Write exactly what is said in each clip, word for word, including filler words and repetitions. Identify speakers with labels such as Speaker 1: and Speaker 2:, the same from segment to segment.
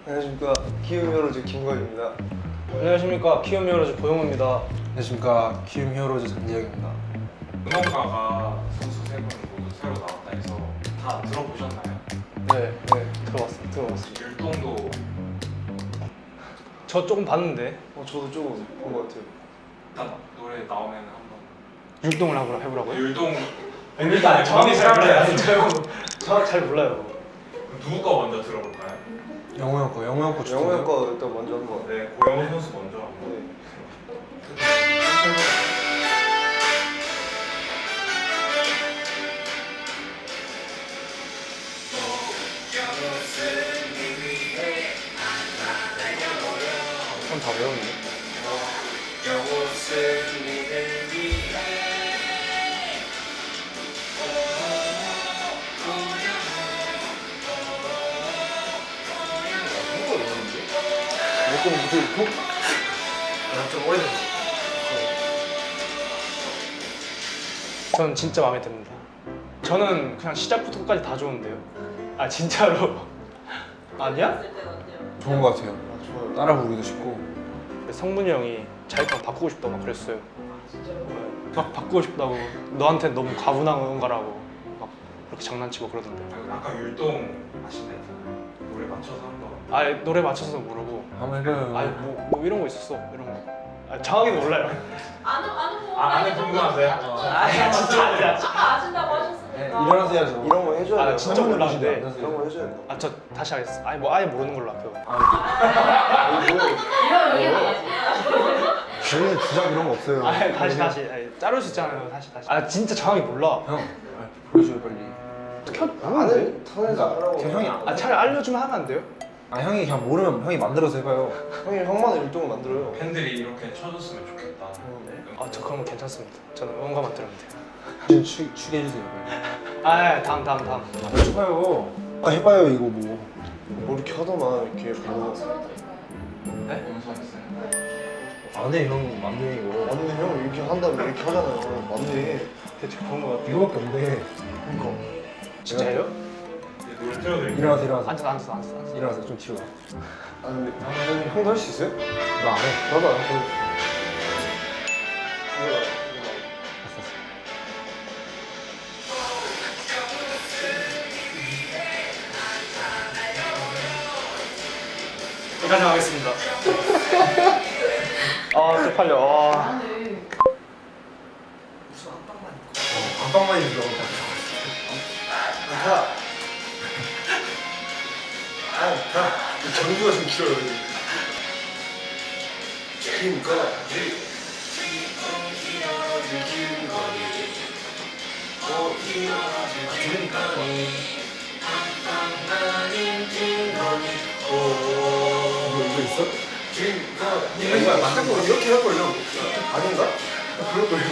Speaker 1: 안녕하십니까. 키움 히어로즈 김광입니다.
Speaker 2: 안녕하십니까. 키움 히어로즈 고용호입니다.
Speaker 3: 안녕하십니까. 키움 히어로즈 장지혁입니다.
Speaker 4: 응원가가 선수 세 분 모두 새로 나왔다 해서 다 들어보셨나요?
Speaker 2: 네, 네 들어봤습니다. 들어봤습니다.
Speaker 4: 율동도
Speaker 2: 저 조금 봤는데
Speaker 1: 어, 저도 조금 본 것 같아요.
Speaker 4: 일단 노래 나오면 한번
Speaker 2: 율동을 하고 해보라고요?
Speaker 4: 율동
Speaker 2: 일단
Speaker 4: 저는 잘 몰라요.
Speaker 2: 저잘 몰라요.
Speaker 4: 누구 거 먼저 들어볼까요?
Speaker 3: 영호 형 거, 영호 형거
Speaker 1: 영호 형 거 일단 먼저 한번.
Speaker 4: 네, 고영호 선수 먼저 한번.
Speaker 1: 네.
Speaker 2: 그럼 다 외웠네.
Speaker 1: 조금 무슨
Speaker 2: 좀 오래됐어. 저는 진짜 마음에 듭니다. 저는 그냥 시작부터 끝까지 다 좋은데요. 아 진짜로. 아니야?
Speaker 3: 좋은 것 같아요.
Speaker 1: 아, 좋아요.
Speaker 3: 따라 부르기도 쉽고.
Speaker 2: 성분이 형이 자기 거 바꾸고 싶다고 막 그랬어요. 네. 막 바꾸고 싶다고. 너한테 너무 과분한 응원가라고 막 그렇게 장난치고 그러던데.
Speaker 4: 아까 율동 하신다 했잖아요. 노래 맞춰서 한번.
Speaker 2: 아예 노래 맞춰서 모르고.
Speaker 3: 한번 해봐요.
Speaker 2: 아니 뭐, 뭐 이런 거 있었어 이런 거. 아, 정확히 몰라요.
Speaker 5: 아는 아는 거.
Speaker 4: 아, 아는 궁금하세요?
Speaker 2: 아 진짜 아니야.
Speaker 5: 아까 아신다고 하셨으니까.
Speaker 3: 네, 일어나서 해야죠.
Speaker 1: 이런 거 해줘야 돼요.
Speaker 2: 아 진짜
Speaker 3: 한번
Speaker 2: 몰랐는데.
Speaker 3: 해보시죠.
Speaker 1: 이런 거 해줘야 돼요.
Speaker 2: 아 저 다시 하겠습니다. 아예 뭐 아예 모르는 걸로 할게요.
Speaker 5: 이런 이게 나지.
Speaker 3: 저희는 주작 이런 거 없어요.
Speaker 2: 아 다시 다시 아니, 자를 수 있잖아요. 다시 다시. 아 진짜 정확히 몰라.
Speaker 3: 형, 아, 보여줘요 빨리.
Speaker 2: 켜.
Speaker 1: 아는 턴에서 하라고.
Speaker 3: 그냥 형이 안-
Speaker 2: 아 차라리 알려주면 하면 안 돼요?
Speaker 3: 아 형이 그냥 모르면 형이 만들어서 해봐요.
Speaker 1: 형이 형만의 율동을 만들어요.
Speaker 4: 팬들이 이렇게 쳐줬으면 좋겠다.
Speaker 2: 아 저 그런 거 괜찮습니다. 저는 응원가만 들으면 돼요.
Speaker 3: 지금 추, 추게 해주세요. 빨리.
Speaker 2: 아 예, 다음 다음 다음.
Speaker 3: 아, 빨리 해봐요. 아 해봐요 이거 뭐.
Speaker 1: 뭐 이렇게 하더만 이렇게 보고.
Speaker 2: 네?
Speaker 4: 용서했어요.
Speaker 3: 안해 형 맞네 이거.
Speaker 1: 맞네 형 이렇게 한다면 이렇게 하잖아요. 맞네. 대체 그런 거 같아.
Speaker 3: 이거밖에 없네.
Speaker 1: 그러니까.
Speaker 2: 진짜예요?
Speaker 4: 이제 노래 틀어드릴게요.
Speaker 3: 일어나서 일어나서.
Speaker 2: 앉아 앉아 앉아 앉아.
Speaker 3: 일어나서 좀 치워.
Speaker 1: 아 근데 형, 형도 할 수 있어요?
Speaker 3: 나 안 해.
Speaker 1: 나도 안 해. 이거
Speaker 2: 여기까지 하겠습니다. 아 쪽팔려. 아.
Speaker 5: 아니.
Speaker 3: 안방만 있어.
Speaker 1: 자. 아, 자. 전구가 좀 길어요. 김거.
Speaker 3: 이거 이거 있어?
Speaker 1: 이거 맞고 이렇게 할 걸요? 아닌가? 그럴 걸요.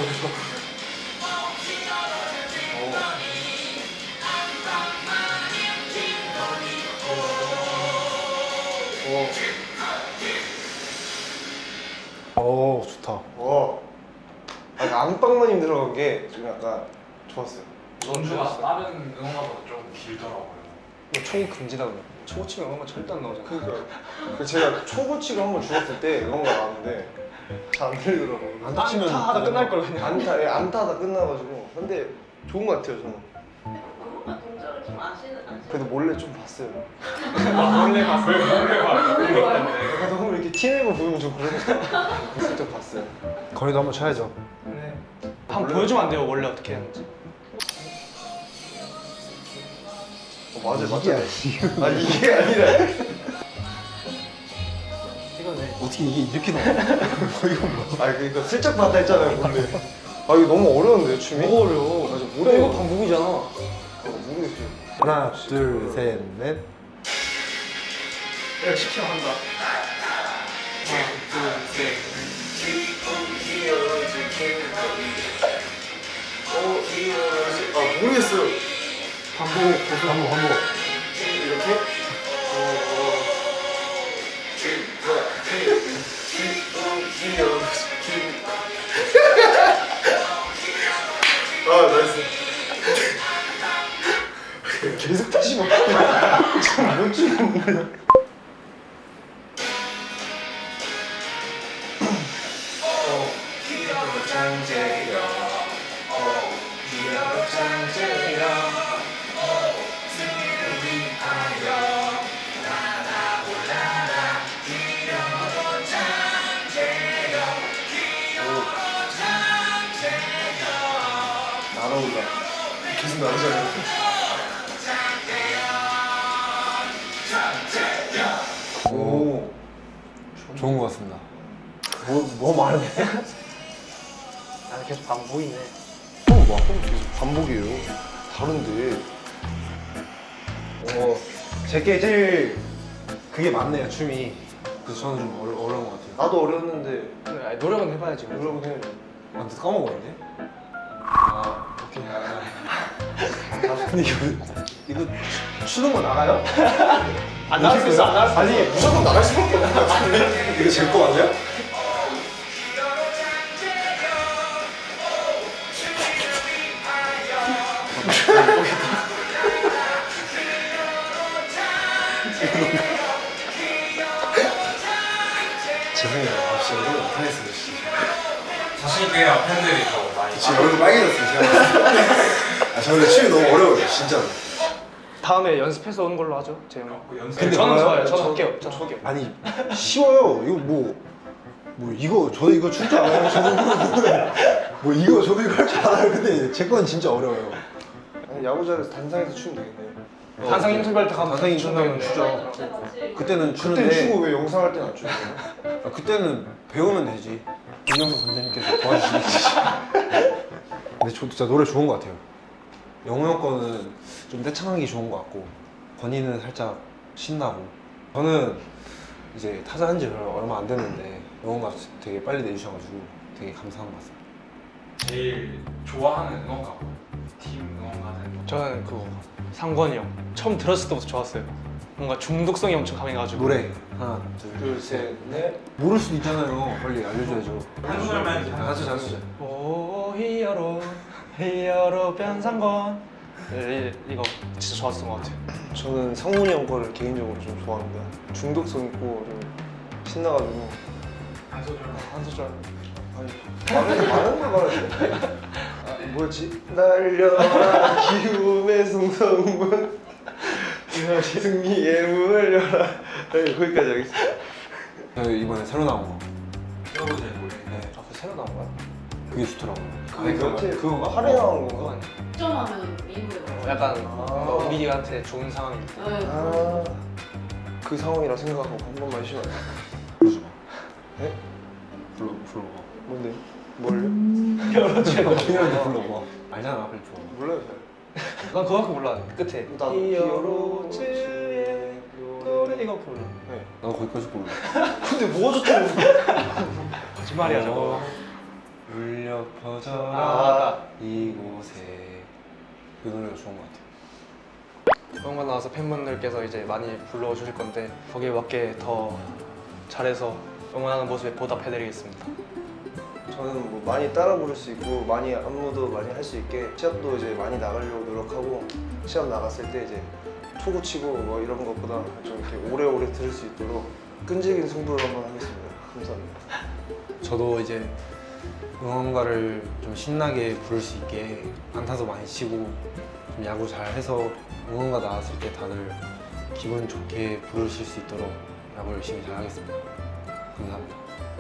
Speaker 3: 오 좋다.
Speaker 1: 와. 아, 그 안방마님 들어간 게 좀 약간 좋았어요.
Speaker 4: 전주가 다른 응원가보다 좀 길더라고요.
Speaker 2: 이거 초고 금지다 그래. 초고 치면 응원가 절대 안 나오잖아.
Speaker 1: 그러니까 그 제가 초고치가 한번 죽었을 때 이런 거 나왔는데 잘 안 들리더라고요.
Speaker 3: 안 다치면
Speaker 2: 안타 하다 끝날 걸 그냥.
Speaker 1: 안타, 예, 안타다 끝나가지고. 근데 좋은 것 같아요 저는.
Speaker 5: 그것만 동작을 좀 아시는 아시는.
Speaker 1: 그래도 몰래 좀 봤어요.
Speaker 2: 몰래 봤어.
Speaker 4: 왜 노래 봐?
Speaker 1: 약간 너무 이렇게 티내고 보면 좀 그러니까 슬쩍 봤어요.
Speaker 3: 거리도 한번 쳐야죠.
Speaker 2: 네. 한번 보여주면 안 돼요? 원래 어떻게 하는지.
Speaker 1: 어, 맞아요,
Speaker 3: 이게
Speaker 1: 맞아요. 아 이게 아니라.
Speaker 2: 이거네.
Speaker 3: 어떻게 이게 이렇게 나와? 뭐 이거 뭐?
Speaker 1: 아 그러니까 슬쩍 봤다 했잖아요 원래. 아 이거 너무 어려운데요 춤이?
Speaker 2: 뭐가 어려워?
Speaker 1: 맞아,
Speaker 2: 형
Speaker 1: 못해요.
Speaker 2: 이거 반복이잖아.
Speaker 1: 어, 모르겠어요.
Speaker 3: 하나, 둘, 셋, 넷.
Speaker 2: 내가 시키면 한다. 하나, 둘, 셋.
Speaker 1: 아 모르겠어요.
Speaker 2: 반복.
Speaker 3: 계속 한번 한번.
Speaker 1: 이렇게? 아 나이스. 계속 다시 봐. 지금 못 추는 거야. 무슨 남자야? 오,
Speaker 3: 좋은 것 같습니다.
Speaker 1: 뭐, 뭐 말해?
Speaker 2: 나는 계속 반복이네.
Speaker 1: 또 막, 계속 반복이에요. 다른데.
Speaker 3: 어, 제게 제일 그게 맞네요, 춤이. 그래서 저는 좀 어려, 어려운 것 같아요.
Speaker 1: 나도 어렸는데,
Speaker 2: 그래, 아니, 노력은 해봐야지. 그래도.
Speaker 1: 노력은 해.
Speaker 3: 아, 근데 까먹었네. 아, 오케이. 근데 이거, 이거 추는 거 나가요?
Speaker 2: 안 나갈 수 있어, 안 나갈 수 있어.
Speaker 1: 아니, 무조건 나갈 수밖에 없는 것 같은데? 이거 제 거 아니야?
Speaker 3: 죄송해요. 아, 진짜 이거 못하겠어요, 진짜.
Speaker 4: 자신 있게 해요. 팬들이 더 많이.
Speaker 3: 지금 얼굴 빨개졌어요, 제가. 아, 저 근데 춤이 너무 어려워요, 진짜로.
Speaker 2: 다음에 연습해서 오는 걸로 하죠, 재영이.
Speaker 4: 그 연습.
Speaker 2: 근데 저는
Speaker 3: 봐요.
Speaker 2: 좋아요. 저는
Speaker 1: 저-
Speaker 2: 할게요. 저는 할게요.
Speaker 3: 아니, 쉬워요. 이거 뭐, 뭐, 이거, 저도 이거 출 줄 알아요. 저도 이거, 뭐, 이거, 저도 이거 할 줄 알아요. 근데 제 건 진짜 어려워요.
Speaker 1: 아니, 야구장에서 단상에서 추면 되겠네.
Speaker 2: 단상 인터뷰할 때 가면
Speaker 3: 단상 인터뷰하면
Speaker 2: 추면
Speaker 3: 추죠.
Speaker 5: 그때 같이.
Speaker 3: 그때는
Speaker 1: 그때
Speaker 3: 추는데,
Speaker 1: 추고 왜 영상 할 때는 안 추는 거야?
Speaker 3: 아, 그때는 배우면 되지. 윤영석 선생님께서 도와주시겠지. 근데 저 진짜 노래 좋은 것 같아요. 영호 형 거는 좀 떼창하기 좋은 것 같고, 건이는 살짝 신나고. 저는 이제 타자 한 지 얼마 안 됐는데, 영호가 되게 빨리 내주셔가지고 되게 감사한 것 같습니다.
Speaker 4: 제일 좋아하는 응원가. 팀 응원가는.
Speaker 2: 저는 그거 상권이 형. 처음 들었을 때부터 좋았어요. 뭔가 중독성이 엄청 강해가지고.
Speaker 3: 노래 하나, 둘,
Speaker 1: 둘, 셋, 넷.
Speaker 3: 모를 수도 있잖아요. 빨리 알려줘야죠.
Speaker 4: 한 소절만 해주세요.
Speaker 3: 가수 가수.
Speaker 2: 오 히어로 히어로 변상권. 이, 이거 진짜 좋았던 것 같아요.
Speaker 1: 저는 상문이 형 거를 개인적으로 좀 좋아합니다. 중독성 있고 좀 신나가지고.
Speaker 4: 한 소절만.
Speaker 2: 한 소절.
Speaker 1: 아니, 많은, 많은 걸 말하지. 아, 뭐였지? 날려라 기움의 승성문 승리의 문을 열라. 네, 거기까지 하겠습니다.
Speaker 3: 저희 이번에 새로 나온 거.
Speaker 4: 새로운 제 노래.
Speaker 3: 네,
Speaker 2: 아, 그 새로 나온 거야?
Speaker 3: 그게 좋더라고요.
Speaker 1: 아니,
Speaker 3: 그거
Speaker 1: 그거
Speaker 3: 그거
Speaker 1: 할애 나온
Speaker 2: 그거
Speaker 1: 건가?
Speaker 2: 아니야?
Speaker 5: 득점하면 미국에 가.
Speaker 2: 약간
Speaker 1: 아.
Speaker 2: 우리한테 좋은 상황이 있다.
Speaker 5: 네.
Speaker 1: 아, 그 상황이라 생각하고 한 번만 쉬어야 돼.
Speaker 3: 불러줘봐.
Speaker 1: 네?
Speaker 3: 불러 불러봐.
Speaker 1: 뭔데? 뭘요?
Speaker 3: 그냥 불러봐. 알잖아, 빨리 불러.
Speaker 1: 몰라요 잘.
Speaker 2: 난 그거밖에 몰라. 끝에.
Speaker 1: 나도
Speaker 2: 히어로즈의 노래 이거 불러.
Speaker 1: 네.
Speaker 3: 나도 거기까지 불러.
Speaker 1: 근데 뭐가 좋다고?
Speaker 2: 거짓말이야 저거.
Speaker 3: 어, 울려 퍼져라
Speaker 2: 아,
Speaker 3: 이곳에. 그 노래가 좋은 것 같아요.
Speaker 2: 그런 거 나와서 팬분들께서 이제 많이 불러주실 건데 거기에 맞게 더 잘해서 응원하는 모습에 보답해드리겠습니다.
Speaker 1: 저는 뭐 많이 따라 부를 수 있고 많이 안무도 많이 할 수 있게 시합도 이제 많이 나가려고 노력하고 시합 나갔을 때 이제 투구 치고 뭐 이런 것보다 좀 이렇게 오래오래 들을 수 있도록 끈질긴 승부를 한번 하겠습니다. 감사합니다.
Speaker 3: 저도 이제 응원가를 좀 신나게 부를 수 있게 안타도 많이 치고 좀 야구 잘 해서 응원가 나왔을 때 다들 기분 좋게 부르실 수 있도록 야구 열심히 잘 하겠습니다. 감사합니다.